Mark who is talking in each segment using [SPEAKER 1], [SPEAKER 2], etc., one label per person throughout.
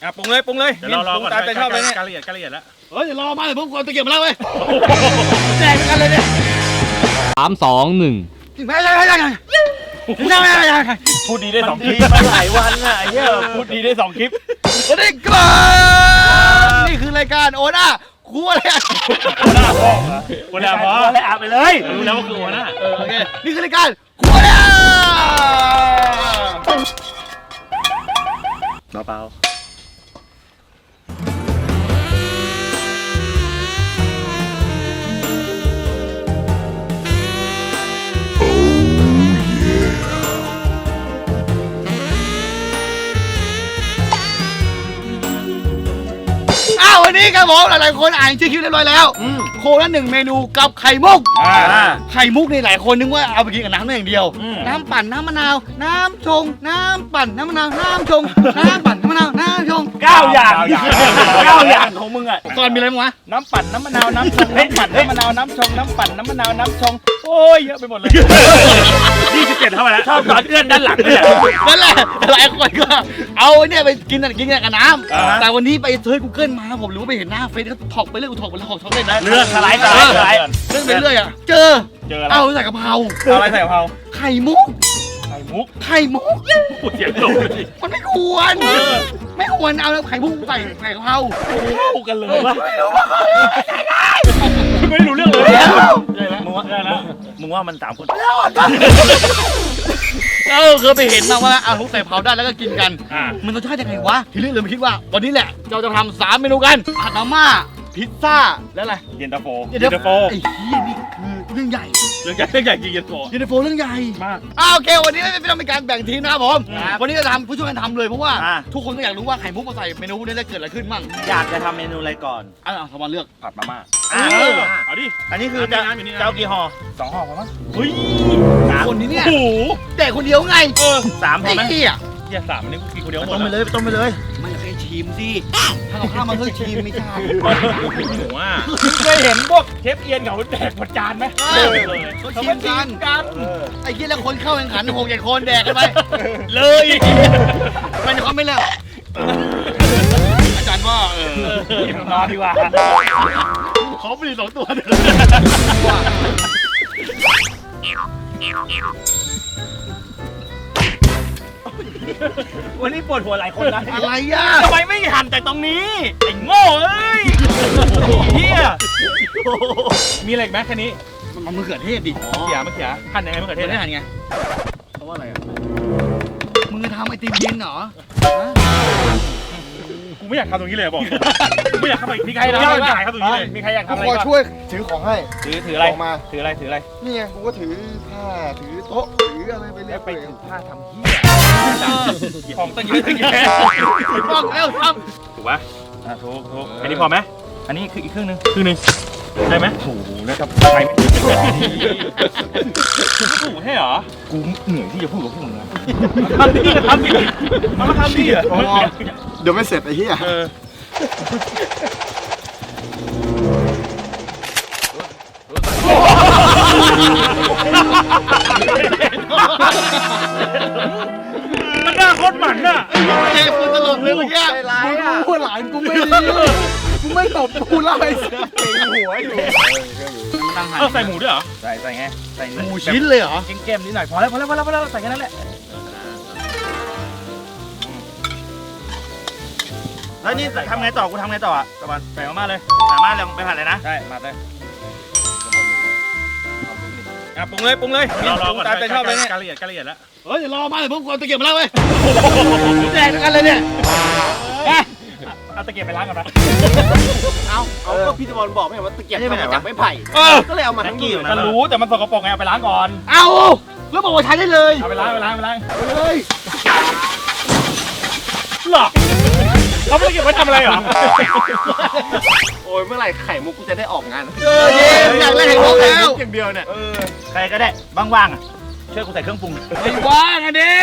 [SPEAKER 1] ปรุงเลยปรุงเลย
[SPEAKER 2] เดี๋ยวเราปรุงตามใจชอบเลยเนี่ยการละเอียดแล้ว
[SPEAKER 3] เดี๋ยวรอมาเดี๋ยวผมกดตะเกียบมาแล้วเว้ยแจกกันเลยเนี่ย
[SPEAKER 4] 3 2 1
[SPEAKER 3] ไม่
[SPEAKER 2] พูดดีได้2 คลิปหลายวันอ่ะไอ้เหี้ยพูดดีได้2 คลิป
[SPEAKER 3] สวัสดีครับนี่คือรายการโอน่าครัวเลย
[SPEAKER 2] หัวหน้าพ่อหัวหน้าพ่อเลยอาบไปเลยรู้แล้วว่าคือหัวหน้า
[SPEAKER 3] โอเคนี่คือรายการครัวเลย
[SPEAKER 2] เปล่า
[SPEAKER 3] วันนี้ครับผมหลายๆคนอ่านชื่อคลิปเรียบร้อยแล้วโคละ1 เมนูกับไข่มุกไข่มุกนี่หลายคนนึกว่าเอาไปกินกับน้ำได้อย่างเดียวน้ำปั่นน้ำมะนาวน้ำชงน้ำปั่นน้ำมะนาวน้ำชงน้ำปั่นน้ำมะนาวน้ำชง
[SPEAKER 2] 9 อย่างของมึงอ่ะ
[SPEAKER 3] ก่อนมีอะไรมั้งวะ
[SPEAKER 1] น้ำปั่นน้ำมะนาวน้ำชงน้ำปั่นน้ำมะนาวน้ำชงน้ำปั่นน้ำมะนาวน้ำชงโอ้ยเยอะไปหมดเลย
[SPEAKER 2] 27เข้ามาแล้วชอบตอนเอื้อนด้านหลังเลย
[SPEAKER 3] นั่นแหละหลายคนก็เอาเนี่ยไปกินกับน้ำแต่วันนี้ไปเซิร์ช Google มาผมหรือว่าไปเห็นหน้าเฟซเขาถอกไปเรื่อยถอกไปแล้วถอกเล่นนะ
[SPEAKER 2] เรื่องสไลด์
[SPEAKER 3] เรื่องไปเรื่อยอ่ะเจอเอาใส่กะเพรา
[SPEAKER 1] อะไรใส่กะเพรา
[SPEAKER 3] ไข่มุก
[SPEAKER 2] เสียงโดน
[SPEAKER 3] มันไม่ควรเอาไข่มุกใส่กะเพรา
[SPEAKER 2] พูดกันเลยว่าไม่รู้เรื่องเลยมึงว่ามัน3 คน
[SPEAKER 3] เคยไปเห็นมาว่าเอาทุกใส่เผาได้แล้วก็กินกันมันรสชาติยังไงวะทีนี้เลยมาคิดว่าวันนี้แหละเราจะทำ3 เมนูกันผัดมาม่าพิซซ่าแล้วอะไร
[SPEAKER 2] เย็นตาโฟ
[SPEAKER 3] ไอ้เหี้ยนี่คือเรื่องใหญ่
[SPEAKER 2] จริงเย็นตาโฟ
[SPEAKER 3] เรื่องใหญ่
[SPEAKER 2] มาก
[SPEAKER 3] โอเควันนี้ไม่ต้องมีการแบ่งทีมนะครับผมวันนี้จะทำผู้ช่วยกันทำเลยเพราะว่าทุกคนก็อยากรู้ว่าไข่มุกมาใส่เมนูนี้ได้เกิดอะไรขึ้นบ้าง
[SPEAKER 1] อยากจะทำเมนูอะไรก่อน
[SPEAKER 3] สมอนเลือก
[SPEAKER 1] ผัดมาม่า
[SPEAKER 2] เอาดิ
[SPEAKER 1] อันนี้คือจะเอากี่ห่อ2 ห่อพอมั้ง
[SPEAKER 2] เฮ้ย
[SPEAKER 3] คนนี้เนี่ยแต่คนเดียวไง
[SPEAKER 2] 3 พอไหม
[SPEAKER 3] เหี้ย
[SPEAKER 2] 3นี่กูกินคนเดียวหมด
[SPEAKER 3] ต้มไปเลยไม่อยากให้ชิมสิถ้าเอาข้าวมาเพิ่งชิมไม่ใช่
[SPEAKER 2] หนูว่า
[SPEAKER 1] เคยเห็นพวกเชฟเอียนเขาแดกหมดจานไหม
[SPEAKER 3] เขาชิมกันไอ้เหี้ยแล้วคนเข้าแข่งขัน6-7 คนแดกกันไป
[SPEAKER 2] เลย
[SPEAKER 3] มันเขาไม่เลิกอาจารย์ว่
[SPEAKER 2] านอนดีกว่า
[SPEAKER 3] เขาไม่ได้2 ตัว
[SPEAKER 1] วันนี้ปวดหัวหลายคนนะ
[SPEAKER 3] อะไรอ่ะ
[SPEAKER 1] ทำไมไม่หั่นแต่ตรงนี้ไอ้โง่เอ้ยเฮียมีอะไรไหมแค่นี้
[SPEAKER 3] มันมะเขือเทศดิ
[SPEAKER 1] มะเขือหั่นยังไงมะเขือเทศ
[SPEAKER 3] หั่นไงเพราะว่าอะไรอ่ะมึงจะทำไอติมเย็นเหรอ
[SPEAKER 2] กูไม่อยากทำตรงนี้เลยบอกไม่อยากทำอีกมีใครทำตรงนี้เลย
[SPEAKER 1] มีใครอยากทำอะไร
[SPEAKER 5] กูช่วยถือของให้
[SPEAKER 1] ถืออะไรมาถืออะไร
[SPEAKER 5] นี่ไงกูก็ถือผ้าถือโต๊ะถืออะไรไปเรื่อย
[SPEAKER 1] ไปถือผ้าทำเหี้ยของตั้งเยอะ
[SPEAKER 3] ต้องแล้วท
[SPEAKER 2] ถูกปะถูกอันนี้พอไหม
[SPEAKER 1] อันนี้คืออีกครึ่งนึง
[SPEAKER 2] ได้ไหม
[SPEAKER 1] โอ้โหนะครับ
[SPEAKER 2] ใครไม่ถูกให้เหรอ
[SPEAKER 1] กูเหนื่อยที่จะพูดกับพวกมึงนะ
[SPEAKER 2] ทำดิมันมาทำดิ
[SPEAKER 5] เดี๋ยวไม่เสร็จไอ้เหี้ย
[SPEAKER 2] มันน่าโคตรหมันน่ะ
[SPEAKER 3] เจ๊คุณตลกเลยเมื่อกี้พูดหลานกูไม่ดีกูไม่ตบกูเล่าไอ้เสียงหัวอยู่
[SPEAKER 2] ใส่หมูด้วยเหรอ
[SPEAKER 1] ใส่ไงใส่
[SPEAKER 3] หมูชิ้นเลยเหรอ
[SPEAKER 1] เก้มนิดหน่อยพอแล้วใส่แค่นั้นแหละ
[SPEAKER 2] แล้วนี่ทำไงต่อกูทำไงต่ออ่ะตะวันใส่มาเลยสามารถลงไปผัดเลยนะ
[SPEAKER 1] ใช่มาเลยปรุงเลยปรุงตามใจชอบเลยเนี่ย
[SPEAKER 2] การละเอียดแล้ว
[SPEAKER 3] เดี๋ยวรอมาเดี๋ยวผมกดตะเกียบมาแล้วเว้ยแดกกันเลยเนี่ย
[SPEAKER 2] เอาตะเกียบไปล้างกันนะ
[SPEAKER 1] เอาก็พี่ตะวันบอกไม่ว่าตะเกียบมาจากไม้ไผ่ก็เลยเอามาทั้งกี่
[SPEAKER 2] กันรู้แต่มันสกปรกไงเอาไปล้างก่อน
[SPEAKER 3] เอาแล้วบอกว่าใช้ได้เลย
[SPEAKER 2] เอาไปล้าง
[SPEAKER 3] เฮ้ย
[SPEAKER 2] หรอเขาไม่ได้เก็บไว้ทำอะไรหรอ
[SPEAKER 1] โอ้ยเมื่อไหร่ไข่มุกกูจะได้ออกงาน
[SPEAKER 3] เย้อยากเล่นไข่มุกแล้ว
[SPEAKER 1] อย่างเดียวเนี่ยใครก็ได้ว่างๆช่วยกูใส่เครื่องปรุง
[SPEAKER 3] ไม่ว่างอ่ะดิ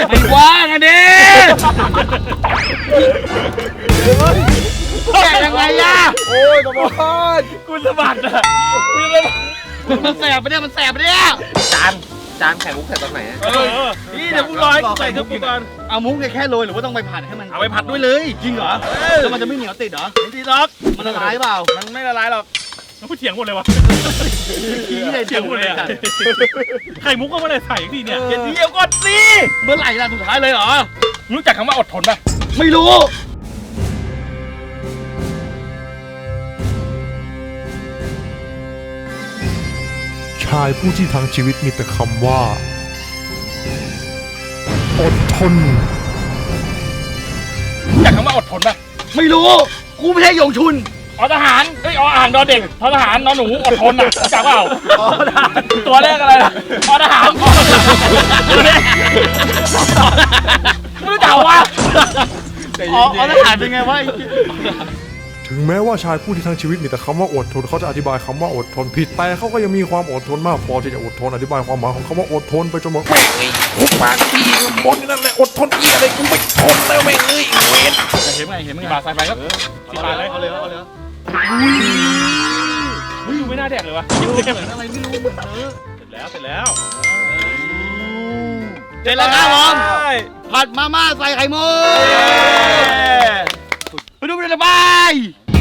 [SPEAKER 3] แกยังไงล่ะ
[SPEAKER 1] โอ้ยกบฏ
[SPEAKER 2] กูสะบัดอ่ะ
[SPEAKER 3] มันแสบไปเนี่ย
[SPEAKER 1] จาน
[SPEAKER 5] จานไข่มุกใส่ตอนไหน
[SPEAKER 2] นี่เดี๋ยวกูรอให้กูใส่เครื่องปรุงก่อน
[SPEAKER 3] เอามุกแค่โรยหรือว่าต้องไปผัดให้มัน
[SPEAKER 2] เอาไปผัดด้วยเลย
[SPEAKER 3] จริงเหรอแล้วมันจะไม่เหนียวติดเหรอ
[SPEAKER 2] ไม่ดีหรอก
[SPEAKER 3] มันละลายเปล่า
[SPEAKER 2] มันไม่ละลายหรอก
[SPEAKER 1] กูเถียงหมดเลยวะ
[SPEAKER 3] ขี้เลย
[SPEAKER 1] เถียงหมดเลยอะไข่มุกก็ไม่ได้ใส่ทีเนี่ย
[SPEAKER 2] เดี๋ยวก่อนสิ
[SPEAKER 3] เมื่อไหร่ล่ะสุดท้ายเลยเหรอ
[SPEAKER 1] รู้จักคำว่าอดทนป่ะ
[SPEAKER 3] ไม่รู้
[SPEAKER 6] ชายผู้ที่ทั้งชีวิตมีแต่คำว่า อดทน
[SPEAKER 1] รู้จักคำว่าอดทนป่ะ
[SPEAKER 3] ไม่รู้กูไม่ใช่หยงชุน
[SPEAKER 1] อทหารเอ้ยอ่างดอเด็กททหารนหนูอดทนอ่ะรู้จักเปล่าตัวแรกอะไรล่ะอทหารตัวแรกไม่รู้จักวะ
[SPEAKER 3] อ๋อทหารเป็นไงวะ
[SPEAKER 6] ถึงแม้ว่าชายผู้ที่ทั้งชีวิตมีแต่คำว่าอดทนเขาจะอธิบายคำว่าอดทนผิดแต่เขาก็ยังมีความอดทนมากพอที่จะอดทนอธิบายความหมายของคำว่าอดทนไปจนหมดผมปากพี่บนนั่นแหละอดทนเอียอะไรกูไม่ทนแล้วแม่งเอ้ยเวร
[SPEAKER 3] เห็นไหมเห็นไหม
[SPEAKER 1] บาทใส่ไปครับสิบบาทเลย
[SPEAKER 3] เอาเลยเอาเลย
[SPEAKER 1] อุ้ยไม่น่าแดกเลยวะ
[SPEAKER 3] เหมือนอะไรไม่รู้เหมือน
[SPEAKER 1] เสร็จแล้ว
[SPEAKER 3] เสร็จแล้วครับผมผัดมาม่าใส่ไข่มุกไปดูไปเลยบาย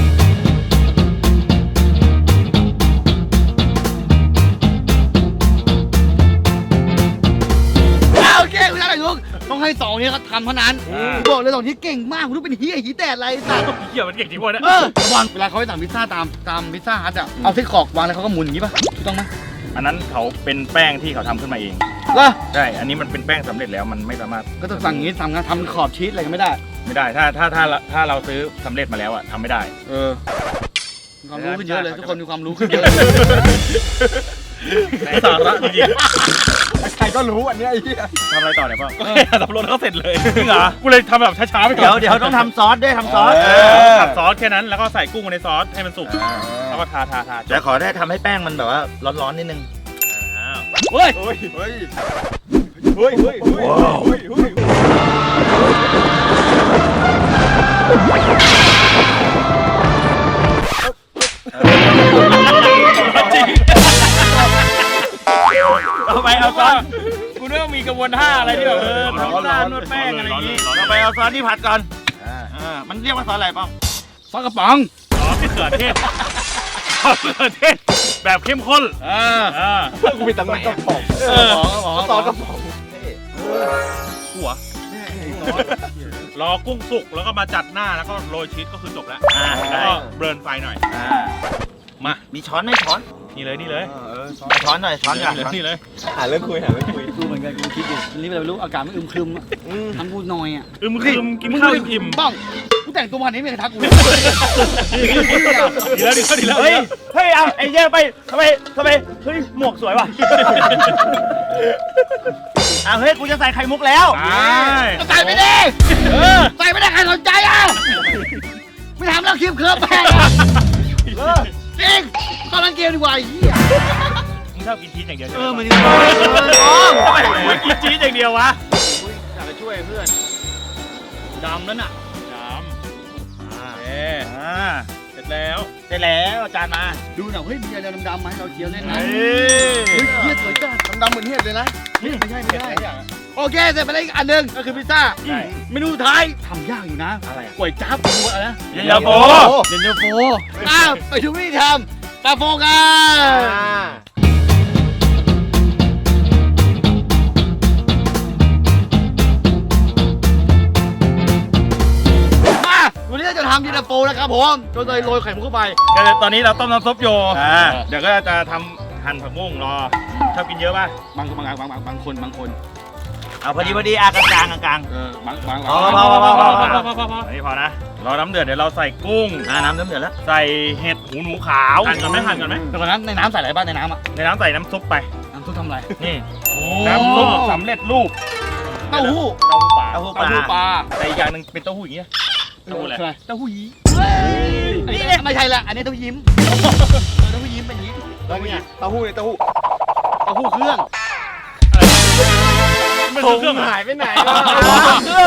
[SPEAKER 3] โอเคคุณท่านไหนทุกต้องให้สองนี้เขาทำเท่านั้นบอกเลยสองนี้เก่งมากคุณรู้เป็นเฮียหีแตดอะไรสัตว์
[SPEAKER 1] เหี้ยมันเก่งจริงวะเนี่ย
[SPEAKER 3] วางเวลาเขาไปสั่งพิซซ่าตามพิซซ่าฮัทอ่ะเอาไส้กรอกวางแล้วเขาก็หมุนอย่างนี้ป่ะถูกต้องไหม
[SPEAKER 2] อันนั้นเขาเป็นแป้งที่เขาทำขึ้นมาเอง
[SPEAKER 3] ล่ะ
[SPEAKER 2] ใช่ อันนี้มันเป็นแป้งสำเร็จแล้วมันไม่สามารถ
[SPEAKER 3] ก็ต้องสั่งอย่างนี้สั่งทำขอบชีสอะไรก็ไม่ได้
[SPEAKER 2] ไม่ได้ถ้าเราซื้อสำเร็จมาแล้วอะทำไม่ได้
[SPEAKER 3] มีความรู้ขึ้นเยอะเลยทุกคนมีความรู้ขึ้นเยอะ
[SPEAKER 2] สาระจริง
[SPEAKER 5] ใครก็รู้อันเนี้ยไอ้เหี้ย
[SPEAKER 2] ทำอะไรต่อเนี่ยพ่อ
[SPEAKER 1] ก็แค่สับปะรดก็เสร็จเลยจริงเหรอกูเลยทำแบบช้าๆไปก่อน
[SPEAKER 2] เดี๋ยวต้องทำซอสด้วยทำซอส
[SPEAKER 1] ตัดซอสแค่นั้นแล้วก็ใส่กุ้งในซอสให้มันสุกแล้วก็ทาจ
[SPEAKER 2] จะขอได้ทำให้แป้งมันแบบว่าร้อนๆนิดนึง
[SPEAKER 3] เฮ้ย
[SPEAKER 5] เฮ้ยเฮ้ย
[SPEAKER 2] เฮ้ยเฮ้ยเฮ้ยจริงเอาไปเอาซอสกูนึกว่ามีกระบวนท่าอะไรที่แบบทำซ่านวดแป้งอะไรอย่างงี้เอาไปเอาซอสที่ผัดก่อนมันเรียกว่าซอสอะไรป้อง
[SPEAKER 3] ซอสกระป๋อง
[SPEAKER 1] อ๋อมะเขือเทศมะเขือเทศแบบเข้มข้น
[SPEAKER 5] กูมีตังค์ไหนอะซอสกระป๋อง
[SPEAKER 1] หัวรอกุ้งสุกแล้วก็มาจัดหน้าแล้วก็โรยชีสก็คือจบแล้วแล้วก็เบิร์นไฟหน่อยมา
[SPEAKER 2] มีช้อนไหมช้อน
[SPEAKER 1] นี่เลย
[SPEAKER 2] ช้อนหน่อยช้อนก่อน
[SPEAKER 1] นี่เลย
[SPEAKER 5] หาเรื่องคุย
[SPEAKER 3] กูเหมือนกันกูคิดอยู่นี่ไม่รู้อากาศมันอึมครึมทำกูหน่อยอ่ะ
[SPEAKER 1] อึมครึมกินข้าวอิ่ม
[SPEAKER 3] บ้องกูแต่งตัวมันนี้ไม่เคยทักกู
[SPEAKER 1] ดีแล้ว
[SPEAKER 2] เฮ้ยเอาไอ้เหี้ยไปทำไมเฮ้ยหมวกสวยว่ะเฮ้ยกูจะใส่ไข่มุกแล้ว
[SPEAKER 3] ใส่ไม่ได้ใส่ไม่ได้ใครสนใจอ่ะไม่ทำแล้วคลิปเคิร์ฟแป้งจริงตอนนั้นเกมดีกว่าไอ้เหี้ย
[SPEAKER 1] มึงชอบกินชีสอย่างเดียวใช่ไหม
[SPEAKER 3] มัน
[SPEAKER 1] ทำไมมึงกินชีสอย่างเดียววะ
[SPEAKER 3] อยากจะช่วยเพื่อนดำนั่นน่ะ
[SPEAKER 1] เสร็จแล้ว
[SPEAKER 2] เสร็จแล้วจานมา
[SPEAKER 3] ดูหน่อยเฮ้ยมีอะไรดำๆมาให้เราเคี้ยวเล่นนะ
[SPEAKER 2] เฮ้
[SPEAKER 3] เฮ้ยเหี้ยสวยจัง
[SPEAKER 5] ดำๆเหมือนเห็ดเลยนะ
[SPEAKER 3] ไม่ใช่โอเคเสร็จไปแล้วอีกอันหนึ่งก็คือพิซซ่าเมนูสุดท้ายทำยากอยู่นะ
[SPEAKER 2] อะไร
[SPEAKER 3] ก๋วยจั๊บดูอะไรนะ
[SPEAKER 1] เย็นตาโฟ
[SPEAKER 3] เย็นตาโฟไปดูวิธีทำตาโฟกันวันนี้เราจะทำเย็นตาโฟนะครับผมโดยโรยไข่มุกเข้าไป
[SPEAKER 1] ตอนนี้เราต้มน้ำซุปอยู่เดี๋ยวก็จะทำหั่นผักบุ้งรอชอบกินเยอะป่ะ
[SPEAKER 3] บางคน
[SPEAKER 2] เอาพอดีกลางกลาง
[SPEAKER 3] บาง
[SPEAKER 2] พออันนี้พอนะรอน้ำเดือดเดี๋ยวเราใส่กุ้งน้ำเดือดแล้ว
[SPEAKER 1] ใส่เห็ดหูหนูขาวหั่นก่อนไหม
[SPEAKER 3] แต่ก่อนนั้นในน้ำใส่อะไรบ้างในน้ำอ่ะ
[SPEAKER 2] ในน้ำใส่น้ำซุปไป
[SPEAKER 3] น้ำซุปทำอะไร
[SPEAKER 2] นี่
[SPEAKER 1] น้ำซุปสำเร็จรูป
[SPEAKER 3] เต้าหู้
[SPEAKER 2] เต้าหู้ปลาแต่อีกอย่างหนึ่งเป็นเต้าหู้อย่างเงี้ย
[SPEAKER 1] เต้าหู้อะไร
[SPEAKER 3] เต้าหู้ยี้นี่ไม่ใช่ละอันนี้เต้ายิ้มเต้าหู้ยิ้มเป็นยิ้ม
[SPEAKER 5] แล้วเนี่ยเต้าหู้เนี่ยเต้าหู้
[SPEAKER 3] เต้าหู้เครื่อง
[SPEAKER 1] มันคือเครื่อง
[SPEAKER 5] หายไปไหน
[SPEAKER 3] เครื่อง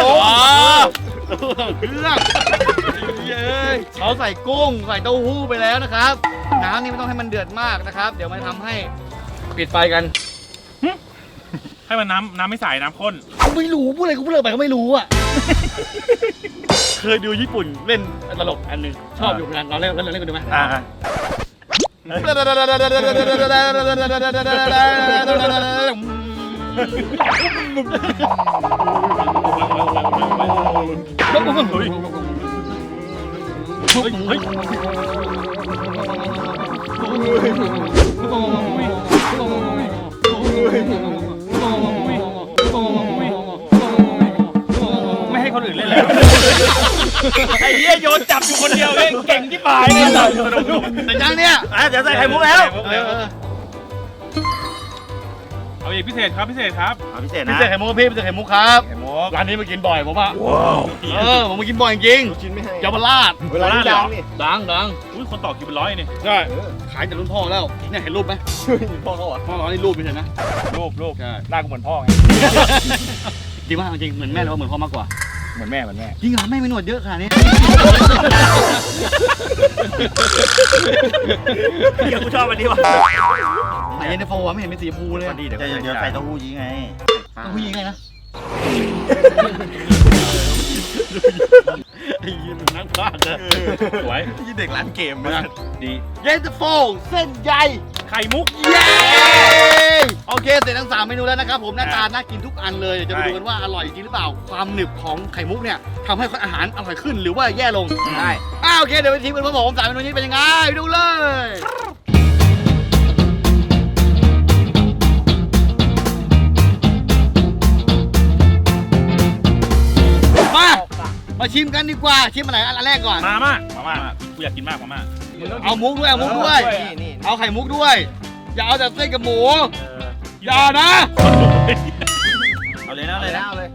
[SPEAKER 3] เขาใส่กุ้งใส่เต้าหู้ไปแล้วนะครับน้ำนี่ไม่ต้องให้มันเดือดมากนะครับเดี๋ยวมันทำให้ปิดไฟกัน
[SPEAKER 1] ให้มันน้ำไม่ใสน้ำข้น
[SPEAKER 3] ไม่รู้พูดอะไรกูพูดเลยไปก็ไม่รู้อ่ะ เคยดูญี่ปุ่นเล่นตลกอันหนึงชอบอยู่เหมือนกันเราเล่นกันดูไหม
[SPEAKER 2] ไม่ให้คนอื่นเล่นแล้วไอ้เหี้ยโยนจับอยู่คนเดียวเองเก่งที่ปลายเลย
[SPEAKER 3] แต่ยังเนี่ย
[SPEAKER 2] เดี๋ยวใส่ไข่มุกแล้ว
[SPEAKER 1] เอาอีกพิเศษครับพิเศษครับ
[SPEAKER 2] พิเศษ
[SPEAKER 3] พิ
[SPEAKER 2] นะ
[SPEAKER 3] เศษไข่มุกพี่พิเศษไข่มุกครับ
[SPEAKER 2] ไข่มุก
[SPEAKER 3] ร้านนี้มากินบ่อยผมอ่ะผมมากินบ่อยจริง
[SPEAKER 5] ชิ้นไม่ให้
[SPEAKER 3] เยาวราช
[SPEAKER 5] เวลาที่ดังนี่
[SPEAKER 3] ดัง
[SPEAKER 1] อุ้ยคนต่อคิวเป็น100นี่
[SPEAKER 3] ใช่ขายแต่รุ่นพ่อแล้วเนี่ยเห็นรูปไหม
[SPEAKER 5] พ่อเขาอ่ะ
[SPEAKER 3] พ่อเรานี่รูปไม่ใช่นะ
[SPEAKER 2] รูป
[SPEAKER 3] ใช่
[SPEAKER 2] หน้ากูเหมือนพ่อไง
[SPEAKER 3] จริงว่าจริงเหมือนแม่หรือว่าเหมือนพ่อมากกว่า
[SPEAKER 2] เหมือนแม่
[SPEAKER 3] จริงเหรอแม่ไม่หนวดเยอะขนาดนี้
[SPEAKER 2] เดี๋ยวกูชอบอันนี้ว่ะ
[SPEAKER 3] ไหนเย็นตาโฟวะไม่เห็นเป็นสีชมพูเลย
[SPEAKER 2] เดี๋ยวใส่เต้าหู้ยี้ไง
[SPEAKER 3] ต้องผู้หญิงไงนะไอ้ยืนนักพากย์เลย
[SPEAKER 1] สวย
[SPEAKER 5] ยี่เด็กร้านเกม
[SPEAKER 1] ดี
[SPEAKER 3] เย็นตาโฟเส้นใหญ่
[SPEAKER 1] ไข่มุก
[SPEAKER 3] เย้โอเคเสร็จทั้ง3เมนูแล้วนะครับผมหน้าตาน่ากินทุกอันเลยเดี๋ยวจะไปดูกันว่าอร่อยจริงหรือเปล่าความหนึบของไข่มุกเนี่ยทำให้อาหารอร่อยขึ้นหรือว่าแย่ลง
[SPEAKER 2] ใช่
[SPEAKER 3] โอเคเดี๋ยวไปทีมกันพร้อมผม3เมนูนี้เป็นยังไงไปดูเลยมาชิมกันดีกว่าชิมอะไรอันแรกก่อน
[SPEAKER 1] มาม่ากูอยากกินมากมาม่า
[SPEAKER 3] เอามุกด้วยเอามุกด้วย
[SPEAKER 5] นี่
[SPEAKER 3] เอาไข่มุกด้วย อย่าเอาแต่เส้นกับหมู อย่านะ
[SPEAKER 2] เอาเลยนะ
[SPEAKER 5] เอาเลย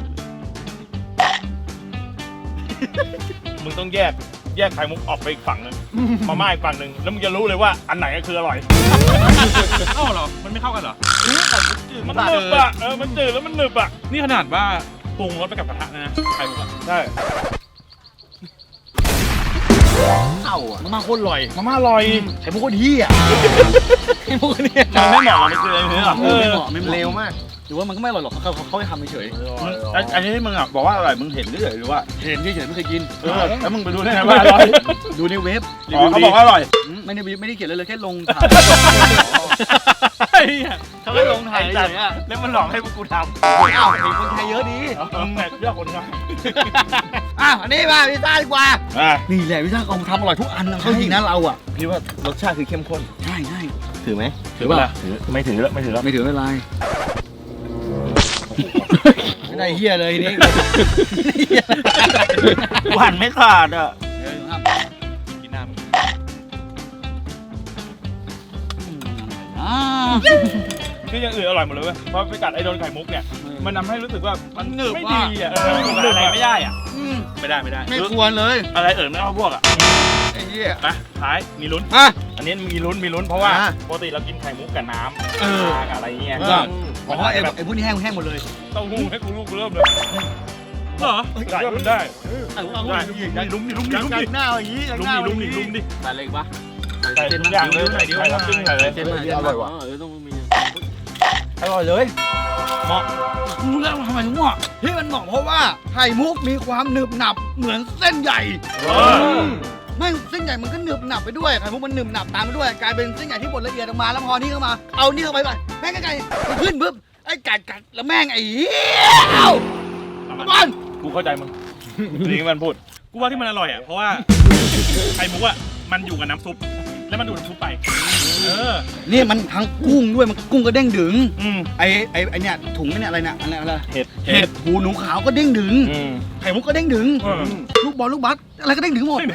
[SPEAKER 1] มึงต้องแยกไข่มุกออกไปอีกฝั่งหนึงมาม่าอีกฝั่งหนึงแล้วมึงจะรู้เลยว่าอันไหนก็คืออร่อยเอ้าเหรอมันไม่เข้ากันเหรอมันหนึบอ่ะมันจืดแล้วมันหนึบอ่ะนี่ขนาดว่าปรุงรสไปกับกระทะนะไข่มุกอ่ะใช่
[SPEAKER 3] เข้าอ่ะมาโคตรอร่อย
[SPEAKER 1] มาม่าอร่อย
[SPEAKER 3] ไข่มุกโคตรเฮี้ยไข่มุกเนี่ย
[SPEAKER 1] มันไม่เหมาะมันคืออะไรเนี่ย
[SPEAKER 3] ไม่เหมาะไม่เหมาะ
[SPEAKER 5] เร็วมาก
[SPEAKER 3] หรือว่ามันก็ไม่อร่อยหรอกเขาให้ทำเฉย
[SPEAKER 2] อันนี้ที่มึงอ่ะบอกว่าอร่อยมึงเห็นเฉยหรือว่า
[SPEAKER 3] ๆเห็นเฉยๆไม่เคยกิน
[SPEAKER 2] แล้วมึงไปดูได้ไงว่าอร่อย
[SPEAKER 3] ดูในเว็บ
[SPEAKER 2] เขาบอกว่าอร่อย
[SPEAKER 3] ไม่ได้เขียนเลยแค่ลงถ่าย
[SPEAKER 1] ไอ้เหี้ย
[SPEAKER 3] เขาแค่ลงถ่ายเฉยๆอ่ะ
[SPEAKER 2] แล้วมันหลอกให้พวกกูทำ
[SPEAKER 3] อ้าวเห็นคนไทยเยอะดี
[SPEAKER 2] มึงเนี่ยเลือกคนง่าย
[SPEAKER 3] อันนี้มาพิซซ่าดีกว่า นี่แหละพิซซ่าเขาทำอร่อยทุกอันนะเขาจริงนะเราอ่ะ
[SPEAKER 5] พี่ว่ารสชาติคือเข้มข้น
[SPEAKER 3] ใช่ใช่
[SPEAKER 5] ถือไหม
[SPEAKER 3] ถือป่ะ
[SPEAKER 2] ไม่ถือแล้ว
[SPEAKER 3] ไม่ถือไม่เป็นไรไม่ได้เฮียเลยนี่
[SPEAKER 2] กูหันไม่ขาดอ่ะ
[SPEAKER 1] กินน้ำ คืออย่างอื่นอร่อยหมดเลยเว้ยเพราะไปกัดไอ้โดนไข่มุกเนี่ย มันทำให้รู้สึกว่ามันหนึบไม่ดีอ่ะมันหนึบอะไรไม่ได้อ่ะ ไม่ได้
[SPEAKER 3] ไม่ควรเลย
[SPEAKER 2] อะไรไม่เอาพวกอ่ะ
[SPEAKER 3] ไอ้เหี้ย
[SPEAKER 1] นะท้ายมีลุ้น
[SPEAKER 3] อ่ะ
[SPEAKER 1] อันนี้มีลุ้นเพราะว่าปกติเรากินไข่มุกกับน้ำกับอะไรเงี้ย
[SPEAKER 3] เพราะว่าไอ้พวกนี้แห้งหมดเลย
[SPEAKER 1] เต้าหู้ให้กูลูกเริ่มเลยเหรอได้มันได้ได้ลุ้มดิ
[SPEAKER 3] หน้าอย่างนี้
[SPEAKER 1] ลุ้มดิ
[SPEAKER 3] ใส่อะไรปะ
[SPEAKER 1] ใส่ทุกอย่างเลยใส่เดียวใส่ตึ้งใส่เลย
[SPEAKER 5] อร่อยว่ะ
[SPEAKER 3] ต้องมี
[SPEAKER 2] อร่อยเลย
[SPEAKER 3] เหมาะรู้แล้วทำไมถึงเหมาะที่มันเหมาะเพราะว่าไข่มุกมีความหนึบหนับเหมือนเส้นใหญ่ไม่เส้นใหญ่มันก็หนึบหนับไปด้วยไข่มุกมันหนึบหนับตามไปด้วยกลายเป็นเส้นใหญ่ที่บดละเอียดออกมาแล้วพอนี่เข้ามาเอานี่เข้าไปแม่งไก่มันขึ้นปุ๊บไอ้กัดแล้วแม่งไอ้เหี้ยบอล
[SPEAKER 1] กูเข้าใจมึงนี่มันพูดกูว่าที่มันอร่อยอ่ะเพราะว่าไข่มุกอ่ะมันอยู่กับน้ำซุปแล้วมันดูดน้ำซุปไป
[SPEAKER 3] นี่มันทั้งกุ้งด้วยมันกุ้งก็เด้งดึง
[SPEAKER 1] อืม
[SPEAKER 3] ไอ้เนี่ยถุงเนี่ยอะไรเนี่ยอะไร
[SPEAKER 1] เห็ด
[SPEAKER 3] เห็ดหูหนูขาวก็เด้งดึง
[SPEAKER 1] อืม
[SPEAKER 3] ไข่มุกก็เด้งดึงลูกบอลลูกบัสอะไรก็เด้งดึงหมด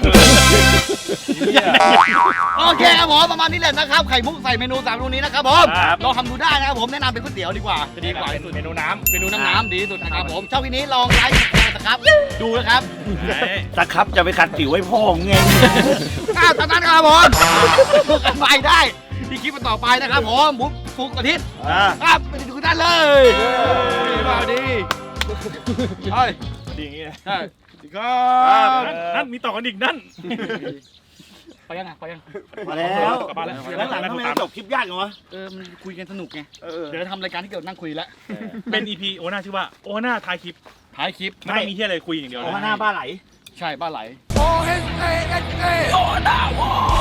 [SPEAKER 3] โอเคครับผมประมาณนี้แหละนะครับไข่มุกใส่เมนู3เมนูนี้นะครับผมลองทำดูได้นะครับผมแนะนำเป็นก๋วยเตี๋ยวดีกว่าจะดีกว่าที่สุด
[SPEAKER 1] เมนูน้ำ
[SPEAKER 3] เมนูน้ำดีที่สุดนะครับผมชอบคลิปนี้ลองไลค์นะครับดูนะครับ
[SPEAKER 2] ตะครับจะไปขัดผิวให้พ่อมึงไง
[SPEAKER 3] ตอนนั้นครับผมดูกันไปได้ที่คลิปต่อไปนะครับผมบุ๊คฟุกอาทิตย์ครับไปดูกันได้เลยมาดีใช่
[SPEAKER 1] ดีอย่างงี้
[SPEAKER 3] ใช่
[SPEAKER 1] นั่นมีต่อกันอีกนั่น
[SPEAKER 3] ไปยังไงไปยัง
[SPEAKER 2] มาแล้ว
[SPEAKER 1] กลับบ้านแล้ว
[SPEAKER 2] หลังๆทำไมจบคลิปยากจังวะ
[SPEAKER 3] มันคุยกันสนุกไงเดี๋ยวจะทำรายการที่เกี่ยวกับนั่งคุยแล้ว
[SPEAKER 1] เป็น EP โอน่าชื่อว่าโอน่าท้ายคลิป
[SPEAKER 3] ท้ายคลิป
[SPEAKER 1] ไม่ต้องมีที่อะไรคุยอย่างเดียว
[SPEAKER 2] โอ้
[SPEAKER 1] เลย
[SPEAKER 2] หน้าบ้าไหล
[SPEAKER 3] ใช่บ้านไหล
[SPEAKER 6] โอเอสเอเอสเอโอดาว